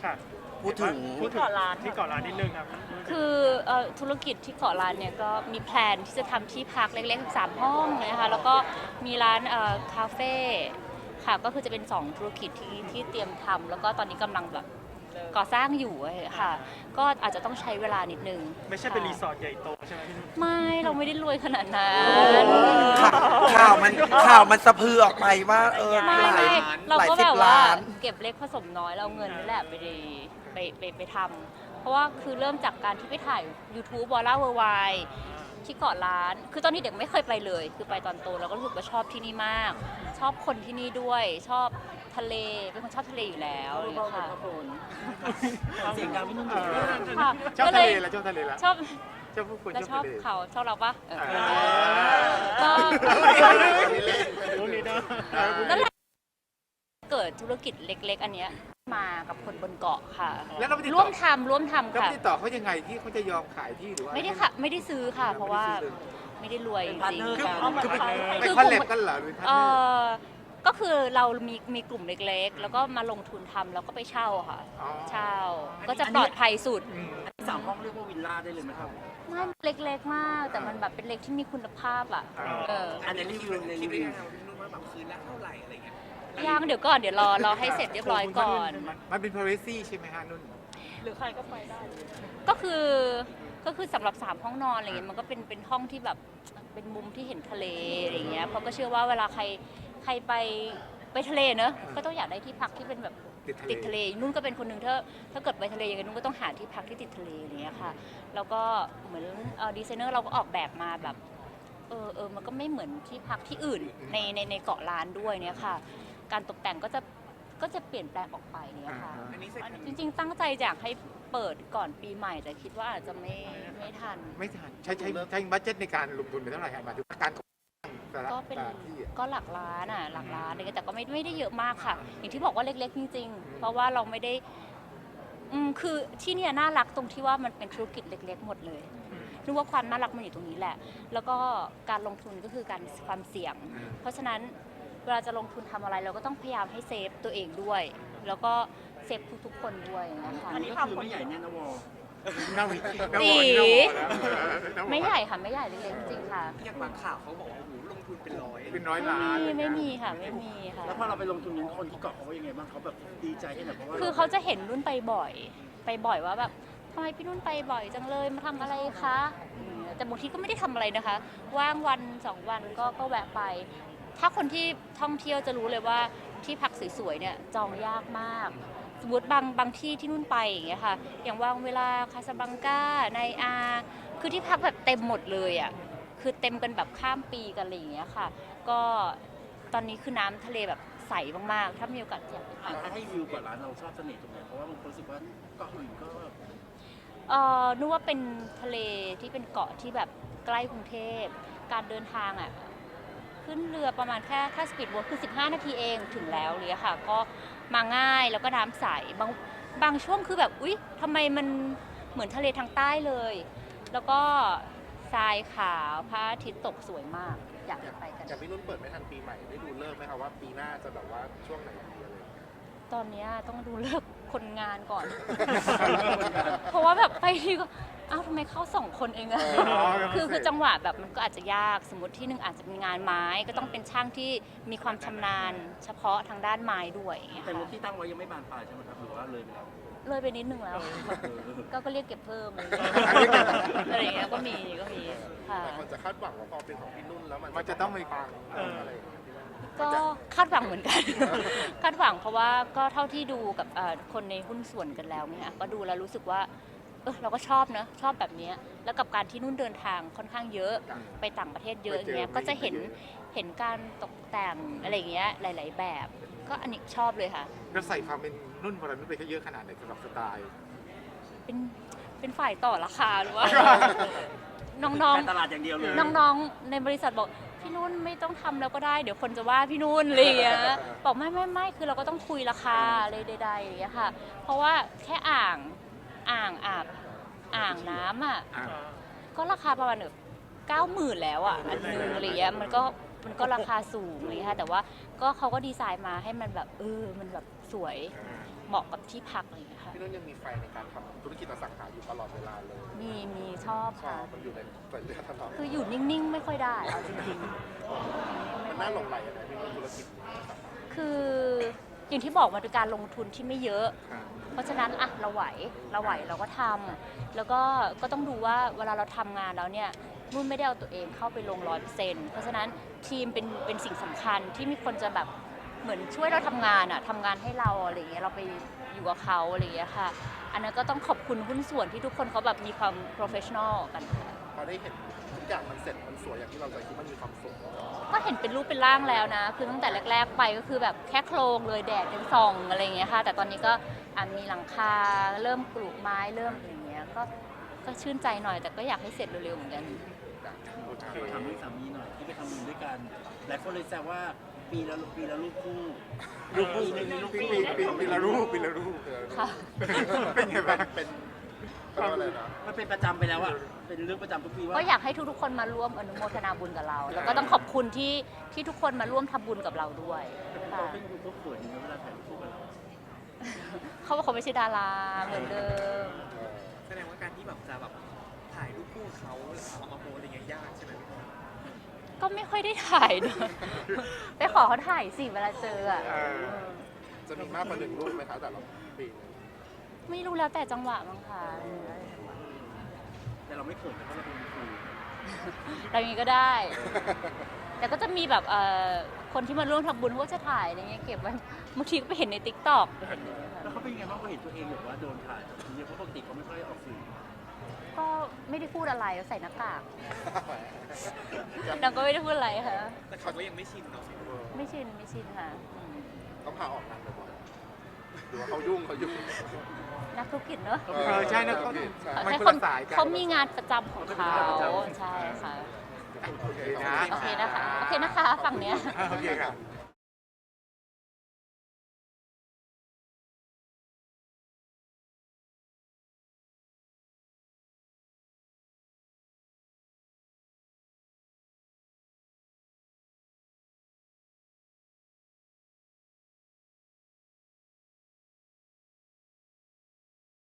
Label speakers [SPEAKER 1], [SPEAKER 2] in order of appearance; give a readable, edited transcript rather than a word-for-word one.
[SPEAKER 1] ค่ะ
[SPEAKER 2] พูดถึง
[SPEAKER 1] ที่เกาะล้านนิดนึงครับ
[SPEAKER 3] คือธุรกิจที่เกาะล้านเนี่ยก็มีแพลนที่จะทำที่พักเล็กๆ3ห้องนะคะแล้วก็มีร้านคาเฟ่ค่ะก็คือจะเป็น2ธุรกิจที่เตรียมทำแล้วก็ตอนนี้กำลังแบบก่อสร้างอยู่ค่ะก็อาจจะต้องใช้เวลานิดนึง
[SPEAKER 1] ไม่ใช่เป็นรีสอร์ทใหญ่โตใช่ไหมพี่นุ่น
[SPEAKER 3] ไม่เราไม่ได้รวยขนาดนั้น
[SPEAKER 2] ข่าวมันสะพือออกไปว่า
[SPEAKER 3] ไม่เราก็แบบว่าเก็บเล็กผสมน้อยเราเงินนี่แหละไปทำเพราะว่าคือเริ่มจากการที่ไปถ่าย YouTube วอลล่าเวอร์ไวที่เกาะล้านคือตอนนี้เด็กไม่เคยไปเลยคือไปตอนโตแล้วก็รู้สึกว่าชอบที่นี่มากชอบคนที่นี่ด้วยชอบทะเลเป็นคนชอบทะเลอยู่แล้วค่ะ
[SPEAKER 4] เสียงดังพี่นุ่น
[SPEAKER 1] ชอบทะเลแล้วชอบทะเลแล้ว
[SPEAKER 3] ชอบ
[SPEAKER 1] ผู้คน
[SPEAKER 3] แล้วชอบ
[SPEAKER 1] ทะเล
[SPEAKER 3] เขาชอบเราปะก็
[SPEAKER 1] รู้นี่นะ
[SPEAKER 3] นั่นแหละเกิดธุรกิจเล็กๆอันเนี้ยมากับคนบนเกาะค่ะร่วมทำค่ะ
[SPEAKER 1] ติดต่อเขายังไงที่เขาจะยอมขายที่หรือว่า
[SPEAKER 3] ไม่ได้ค่ะไม่ได้ซื้อค่ะเพราะว่าไม่ได้รวยจริง
[SPEAKER 1] คือเป็นคอนเล็บกันเหรอหรือ
[SPEAKER 3] ก็คือเรามีกลุ่มเล็กๆแล้วก็มาลงทุนทำแล้วก็ไปเช่าค่ะเช่าก็จะปลอดภัยสุด
[SPEAKER 4] 3 ห้องเรียกว่าวิลล่าได้เลยไหมครับ
[SPEAKER 3] ไม่เล็กๆมากแต่มันแบบเป็นเล็กที่มีคุณภาพอ่ะ
[SPEAKER 4] อันนี้รีวิวในรีวิว
[SPEAKER 3] ยังเดี๋ยวก่อนเดี๋ยวรอให้เสร็จเรียบร้อยก่อน
[SPEAKER 1] มันเป็น privacy ใช่ไหมฮะนุ่น
[SPEAKER 3] หรือใครก็ไปได้ก็คือสำหรับ3ห้องนอนอะไรเงี้ยมันก็เป็นห้องที่แบบเป็นมุมที่เห็นทะเลอะไรเงี้ยเพราะก็เชื่อว่าเวลาใครไปทะเลเนอะก็ต้องอยากได้ที่พักที่เป็นแบบติดทะเลนุ่นก็เป็นคนหนึ่งถ้าเกิดไปทะเลอย่างนี้นุ่นก็ต้องหาที่พักที่ติดทะเลอะไรเงี้ยค่ะแล้วก็เหมือนดีไซเนอร์เราก็ออกแบบมาแบบมันก็ไม่เหมือนที่พักที่อื่นในเกาะล้านด้วยเนี่ยค่ะการตกแต่งก็จะเปลี่ยนแปลงออกไปเนี่ยค่ะจริงๆตั้งใจอยากให้เปิดก่อนปีใหม่แต่คิดว่าอาจจะไม่ทัน
[SPEAKER 1] ใช้บัดเจ็ตในการลงทุนไปเท่าไหร่ครับมาถึงการ
[SPEAKER 3] ก็เป็นก็หลักล้านอะไรเงี้ยแต่ก็ไม่ได้เยอะมากค่ะอย่างที่บอกว่าเล็กๆจริงๆเพราะว่าเราไม่ได้คือที่เนี่ยน่ารักตรงที่ว่ามันเป็นธุรกิจเล็กๆหมดเลยนึกว่าความน่ารักมันอยู่ตรงนี้แหละแล้วก็การลงทุนก็คือการความเสี่ยงเพราะฉะนั้นเวลาจะลงทุนทำอะไรเราก็ต้องพยายามให้เซฟตัวเองด้วยแล้วก็เซฟทุกๆคนด้วยนะคะ
[SPEAKER 4] อันนี้ทำไม่ใหญ่แน่นะวอ
[SPEAKER 3] ไม่ใหญ่ค่ะไม่ใหญ่เล็กๆจริงค่ะ
[SPEAKER 4] อย่างบางข่าวเขาบอกว่าโอ้โหลงทุนเป็น
[SPEAKER 1] ร้อยล้าน
[SPEAKER 3] ไม่มีค่ะไม่มีค่ะ
[SPEAKER 4] แล้วพอเราไปลงทุนนี้คนที่เกาะเขาว่ายังไงบ้างเขาแบบดีใจแค่ไหนเพราะว่า
[SPEAKER 3] คือเขาจะเห็นนุ่นไปบ่อยว่าแบบทำไมพี่นุ่นไปบ่อยจังเลยมาทำอะไรคะแต่บางทีก็ไม่ได้ทำอะไรนะคะว่างวัน2 วันก็แวะไปถ้าคนที่ท่องเที่ยวจะรู้เลยว่าที่พักสวยๆเนี่ยจองยากมากสมมติบางที่ที่นุ่นไปอย่างเงี้ยค่ะอย่างว่างเวลาคาซาบลังกาในคือที่พักแบบเต็มหมดเลยอ่ะคือเต็มกันแบบข้ามปีกันอะไรอย่างเงี้ยค่ะก็ตอนนี้คือน้ำทะเลแบบใสมากๆถ้ามีโอกาสอยากไป
[SPEAKER 4] ถ้าให้วิวก่อนร้านเราชอบเสน่ห์ตรงไหนเพราะว่าบางคนรู้สึกว่าเกาะอื่นก็
[SPEAKER 3] นึกว่าเป็นทะเลที่เป็นเกาะที่แบบใกล้กรุงเทพการเดินทางอ่ะขึ้นเรือประมาณแค่ถ้าสปีดโบ๊ทคือ15 นาทีเองถึงแล้วเลยค่ะก็มาง่ายแล้วก็น้ำใสบางช่วงคือแบบอุ๊ยทำไมมันเหมือนทะเลทางใต้เลยแล้วก็ทรายขาวพระอาทิตย์ตกสวยมากอยากไปกัน
[SPEAKER 1] แต่พี่นุ่นเปิดไม่ทันปีใหม่ได้ดูเลิกไหมคะว่าปีหน้าจะแบบว่าช่วงไหนดีอะไร
[SPEAKER 3] ตอนนี้ต้องดูเลิกคนงานก่อน เพราะว่าแบบไปทีก็อ้าวทำไมเข้า2 คนเองอะคือจังหวะแบบมันก็อาจจะยากสมมติที่หนึ่งอาจจะมีงานไม้ก็ต้องเป็นช่างที่มีความชำนาญเฉพาะทางด้านไม้ด้วย
[SPEAKER 4] แต่ที่ตั้งไว้ยังไม่บานปลายใช่ไหมครับหรือว่าเลยไปแล้ว
[SPEAKER 3] เลยไปนิดนึงแล้วก็เรียกเก็บเพิ่มอะไรอย่างเงี้ยก็มีค่ะ
[SPEAKER 1] คนจะคาดหวังว่าพอเป็นของพี่นุ่นแล้วมันจะต้องมีความอะไร
[SPEAKER 3] ก็คาดหวังเหมือนกัน คาดหวังเพราะว่าก็เท่าที่ดูกับคนในหุ้นส่วนกันแล้วเนี่ยก็ดูแล้วรู้สึกว่าเราก็ชอบนะชอบแบบนี้แล้วกับการที่นุ่นเดินทางค่อนข้างเยอะไปต่างประเทศเยอะอย่างเงี้ยก็จะเห็นการตกแต่งอะไรเงี้ยหลายๆแบบก็อันนี้ชอบเลยค่ะ
[SPEAKER 1] เราใส่ความเป็นนุ่นวรนุชไปเยอะขนาดไหนสำหรับสไตล์
[SPEAKER 3] เป็นฝ่ายต่อราคาหรือว่าน้อง
[SPEAKER 4] ๆตลาดอย่างเดียวเลย
[SPEAKER 3] น้องๆในบริษัทบอกพี่นุ่นไม่ต้องทำแล้วก็ได้เดี๋ยวคนจะว่าพี่นุ่นอะไรอย่างเงี้ยบอกไม่คือเราก็ต้องคุยราคาอะไรใดๆอย่างเงี้ยค่ะเพราะว่าแค่อ่างน้ำอ่ะก็ราคาประมาณ90,000แล้วอ่ะอันนึงอะไรเงี้ยมันก็ราคาสูงเลยค่ะแต่ว่าก็เขาก็ดีไซน์มาให้มันแบบมันแบบสวยเหมาะกับที่พักอะไรอย่างเงี้ยค่ะ
[SPEAKER 1] พี่นุ่นยังมีไฟในการทำธุรกิจอสังหาอยู่ตลอดเวลาเลย
[SPEAKER 3] มีชอบ
[SPEAKER 1] ชอ
[SPEAKER 3] ค่ะ
[SPEAKER 1] บมันอยู่ในสายเลือดตลอด
[SPEAKER 3] คืออยู่นิ่งๆ ไม่ค่อยได้เอาจริงๆ
[SPEAKER 1] มันน่าหลงไหลอะไรพี่นุ่นธุรกิจนี้อสังหา
[SPEAKER 3] คืออย่างที่บอกมันเป็นการลงทุนที่ไม่เยอะ
[SPEAKER 1] ค่ะ
[SPEAKER 3] เพราะฉะนั้นอะเราไหวเราก็ทำแล้วก็ต้องดูว่าเวลาเราทำงานแล้วเนี่ยนุ่นไม่ได้เอาตัวเองเข้าไปลง100%เพราะฉะนั้นทีมเป็นสิ่งสำคัญที่มีคนจะแบบเหมือนช่วยเราทำงานอะทำงานให้เราอะไรอย่างเงี้ยเราไปอยู่กับเขาอะไรอย่างเงี้ยค่ะ อันนั้นก็ต้องขอบคุณหุ้นส่วนที่ทุกคนเขาแบบมีความ professional กันค่ะ
[SPEAKER 1] พอได้เห็นทุกอย่างมันเสร็จมันสวยอย่างที่เราใจคิดมันมีความสุข
[SPEAKER 3] ก็เห็นเป็นรูปเป็นร่างแล้วนะ คือตั้งแต่แรก ๆ ไปก็คือแบบแค่โครงเลยแดดยังส่องอะไรอย่างเงี้ยค่ะ แต่ตอนนี้ก็มีหลังคาเริ่มปลูกไม้เริ่มอะไรอย่างเงี้ยก็ชื่นใจหน่อยแต่ก็อยากให้เสร็จเร็วๆเหมือนกัน
[SPEAKER 4] ถามเรื่องสามีหน่อยที่ไปทำบุญด้วยกันหลายคนเลยแซวว่าปีละรูปคู่
[SPEAKER 1] ลูกคู่
[SPEAKER 4] ปีหนึ่งมีลูกคู่
[SPEAKER 1] ปีละรูป
[SPEAKER 3] ค่ะ
[SPEAKER 1] เป็นไงบ้างเป็นอะไรนะ
[SPEAKER 4] มันเป็นประจำไปแล้วอ่ะเป็นเรื่องประจำทุกปีว่า
[SPEAKER 3] ก็อยากให้ทุกๆคนมาร่วมอนุโมทนาบุญกับเรา แล้วก็ต้องขอบคุณที่ทุกคนมาร่วมทำบุญกับเราด้วย
[SPEAKER 4] เรา
[SPEAKER 3] ค่ะ
[SPEAKER 4] เป็นคนเขินอยู่เวลาถ่ายรูปคู่กับเรา
[SPEAKER 3] เขาบอกเขาไม่ใช่ดาราเหมือนเดิม
[SPEAKER 5] แสดงว่าการที่แบบจะแบบถ่ายรูปคู่เขาแล้วเอามาโพสอะไรเงี้ยยากใช่ไหมพี่บอล
[SPEAKER 3] ก็ไม่ค่อยได้ถ่ายนะ ไปขอเขาถ่ายสิเวลาเจออะ
[SPEAKER 1] จะมีมากกว่า1รูปไหมคะแต่ละปีนึง
[SPEAKER 3] ไม่รู้แล้วแต่จังหวะมั้งคะ
[SPEAKER 4] แต่เราไม่เขินเพราะเราเป็นครู
[SPEAKER 3] อะไรอย่างงี้ก็ได้ แต่ก็จะมีแบบคนที่มาร่วมทำบุญเขาก็จะถ่ายอะไรเงี้ยเก็บไว้บางทีก็ไปเห็นในติ๊กต็อก
[SPEAKER 4] แล้วเขาเป็นยังไงบ้างเขาเห็นตัวเองแบบว่าโดนถ่ายแบบนี้เพราะปกติเขาไม่ค่อยออกสื่อ
[SPEAKER 3] ก็ไม่ได้พูดอะไรใส่หน้ากากนางก็ไม่ได้พูดอะไรค่ะ
[SPEAKER 5] แต่เขาก็ยังไม่ชินเนาะ
[SPEAKER 3] ไม่ชินค่ะ
[SPEAKER 1] ต้องพาออกงานบ่อยๆหรือว่าเขายุ่ง
[SPEAKER 3] นักธุรกิจเนอะ
[SPEAKER 1] ใช่นะเขา
[SPEAKER 3] ให้คนเขามีงานประจำของเขาใช่ค่ะ
[SPEAKER 1] โอเค
[SPEAKER 3] โอเคนะคะฝั่งเนี้ย
[SPEAKER 1] โอเคค่ะ